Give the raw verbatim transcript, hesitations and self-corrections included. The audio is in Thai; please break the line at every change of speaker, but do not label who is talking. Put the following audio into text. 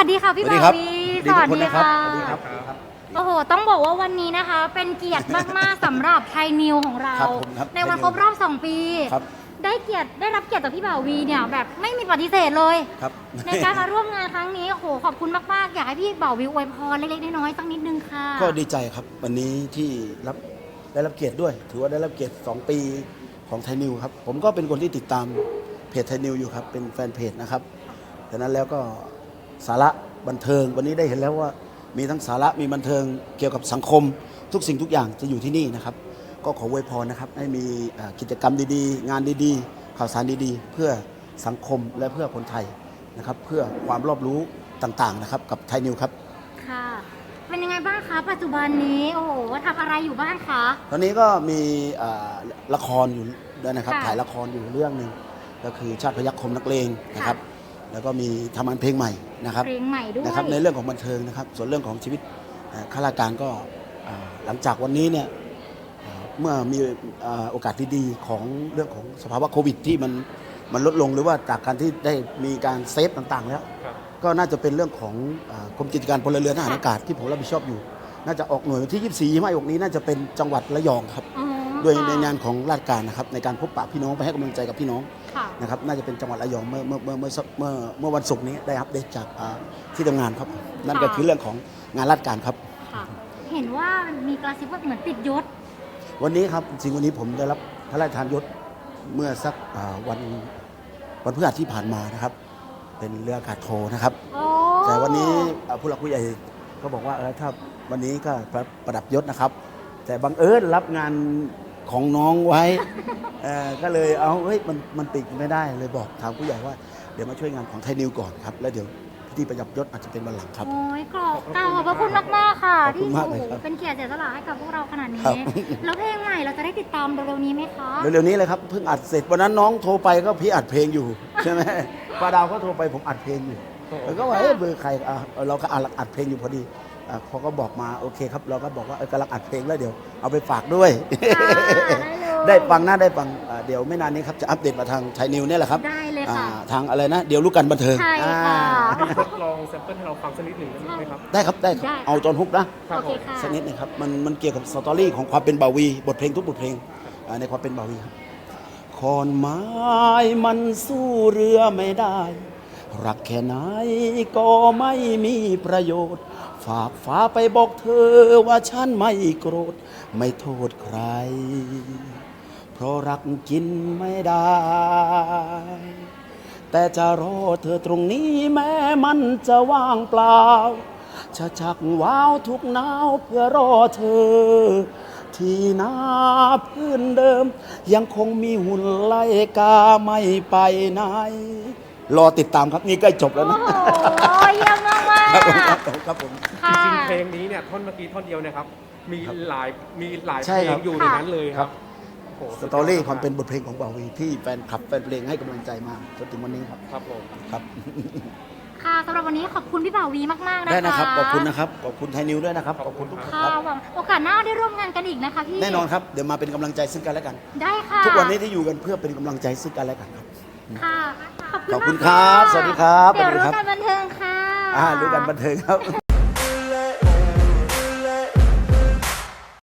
สดีค่ะพี่
สวัส
บ่า
ดีครับ
วี
สวัสดีทุกคนนะครับ
ค่ะ
สวัสดีครับ
โอ้โหต้องบอกว่าวันนี้นะคะ เป็นเกียรติมากๆ สำหรับไทยนิวของเรา
ครับผมครับ
ในวัน
ไทยนิว
ครบรอบสองปี
ครับ
ได้เกียรติได้รับเกียรติจากพี่บ่าวีเนี่ยแบบไม่มีปฏิเสธเลย
ครับ
ในการมาร่วมงานครั้งนี้โอ้โหขอบคุณมากๆอยากให้พี่บ่าวีอวยพรเล็กๆน้อยๆสักนิดนึงค่ะ
ก็ดีใจครับวันนี้ที่รับได้รับเกียรติด้วย ถือว่าได้รับเกียรติสองปีของไทยนิวครับผมก็เป็นคนที่ติดตามเพจไทยนิวอยู่ครับเป็นแฟนเพจนะครับดังนั้นแล้วก็สาระบันเทิงวันนี้ได้เห็นแล้วว่ามีทั้งสาระมีบันเทิงเกี่ยวกับสังคม ทุกสิ่งทุกอย่างจะอยู่ที่นี่นะครับก็ขออวยพรนะครับให้มีกิจกรรมดีๆ งานดีๆข่าวสารดีๆ เพื่อสังคมและเพื่อคนไทยนะครับเพื่อความรอบรู้ต่างๆนะครับกับไทยนิวครับ
ค่ะเป็นยังไงบ้างคะปัจจุบันนี้โอ้โหทำอะไรอยู่บ้างคะ
ตอนนี้ก็มีละครอยู่ด้วยนะครับถ่ายละครอยู่เรื่องหนึ่งก็คือชาติพยัคฆ์คมนักเลงนะครับแล้วก็มีทำงานเพลงใหม่นะครับ
เพลงใหม่ด้วย
นะครับในเรื่องของบันเทิงนะครับส่วนเรื่องของชีวิตข้าราชการก็หลังจากวันนี้เนี่ยเมื่อมีโอกาสดีๆของเรื่องของสภาวะโควิดที่มันมันลดลงหรือว่าจากการที่ได้มีการเซฟต่างๆแล้วก็น่าจะเป็นเรื่องของกรมกิจการพลเรือนทหารอากาศที่ผมรับผิดชอบอยู่น่าจะออกหน่วยวันที่ยี่สิบสี่ยี่สิบห้าออกนี้น่าจะเป็นจังหวัดระยองครับด้วยในงานของราชการนะครับในการพบปะพี่น้องไปให้กำลังใจกับพี่น้องนะครับน่าจะเป็นจังหวัดระยองเมื่อเมื่อเมื่อเมื่อเมื่อเมื่อวันศุกร์นี้ได้อัปเดตจากที่ทำงานครับนั่นก็คือเรื่องของงานราชการครับ
เห็นว่ามีกระซิบว่าเหมือนติดยศ
วันนี้ครับจริงวันนี้ผมได้รับพระราชทานยศเมื่อสักวันวันพฤหัสที่ผ่านมานะครับเป็นเรืออากาศโทนะครับแต่วันนี้ผู้หลักผู้ใหญ่ก็บอกว่าเออถ้าวันนี้ก็ประดับยศนะครับแต่บังเอิญรับงานของน้องไว้ ก็เลยเอาเฮ้ยมันมันติดไม่ได้เลยบอกทางผู้ใหญ่ว่าเดี๋ยวมาช่วยงานของไทยนิวก่อนครับแล้วเดี๋ยวพิธีประดับยศอาจจะเป็นวันหลังครับ
โอ้ยกรอบกล่าวขอบพระคุณมากมากค่ะที่เป็นเกียรติเสียสละให้กับพวกเราขนาดนี้แล้วเพลงใหม่เราจะได้ติดตามเร็วๆนี้ไหมคะ
เร็วๆนี้เลยครับเพิ่งอัดเสร็จวันนั้นน้องโทรไปก็พี่อัดเพลงอยู่ใช่ไหมป้าดาวก็โทรไปผมอัดเพลงอยู่แล้วก็ว่าเอ๊ะเบอร์ใครเราก็อัดเพลงอยู่พอดีพอก็บอกมาโอเคครับเราก็บอกว่ากำลังอัดเพลงแล้วเดี๋ยวเอาไปฝากด้วยได้ฟังนะได้ฟังเดี๋ยวไม่นานนี้ครับจะอัปเดตมาทางไทยนิวเนี่ยแหละครับ
ได้เลยค่ะ
ทางอะไรนะเดี๋ยวรู้กันบันเทิง
ใช่ค่ะ
ทดลองแซมเปิลให้เราฟังสักนิดหนึ่งได้ไหมครับ
ได้ครับได้ครับเอาจอนฮุกนะสักนิดนึงครับมันมันเกี่ยวกับสตอรี่ของความเป็นบาวีบทเพลงทุกบทเพลงในความเป็นบาวีครับขอนไม้มันสู้เรือไม่ได้รักแค่ไหนก็ไม่มีประโยชน์ฝากฟ้าไปบอกเธอว่าฉันไม่โกรธไม่โทษใครเพราะรักกินไม่ได้แต่จะรอเธอตรงนี้แม้มันจะว่างเปล่าจะชักว้าวทุกหนาวเพื่อรอเธอที่นาพื้นเดิมยังคงมีหุ่นไล่กาไม่ไปไหนรอติดตามครับนี่ใกล้จบแล้วนะ
โอ้โหเยี่ยมมากมาก
ครับผม
จริงๆเพลงนี้เนี่ยท่อนเมื่อกี้ท่อนเดียวนะครับมีหลายมีหลายเพลงอยู่ในนั้นเลยครับ
สตอรี่ความเป็นบทเพลงของบ่าวีที่แฟนคลับแฟนเพลงให้กำลังใจมาจนถึงวันนี้ครับ
ครับผม
ครับ
ค่ะสำหรับวันนี้ขอบคุณพี่บ่าวีมากๆนะคะ
ได้นะครับขอบคุณนะครับขอบคุณไทยนิวด้วยนะครับขอบคุณทุกท่าน
ครับโอกาสหน้าได้ร่วมงานกันอีกนะคะพี่
แน่นอนครับเดี๋ยวมาเป็นกำลังใจซึ่งกันและกัน
ได้ค่ะ
ทุกวันนี้ที่อยู่กันเพื่อเป็นกำลังใจซึ่งกันและกันครับ
ค่ะ
ขอบคุณครับสวัสดีครับ
เดี๋ยวรู้กันบันเทิงค่ะ
อ่ารู้กันบันเทิงครับ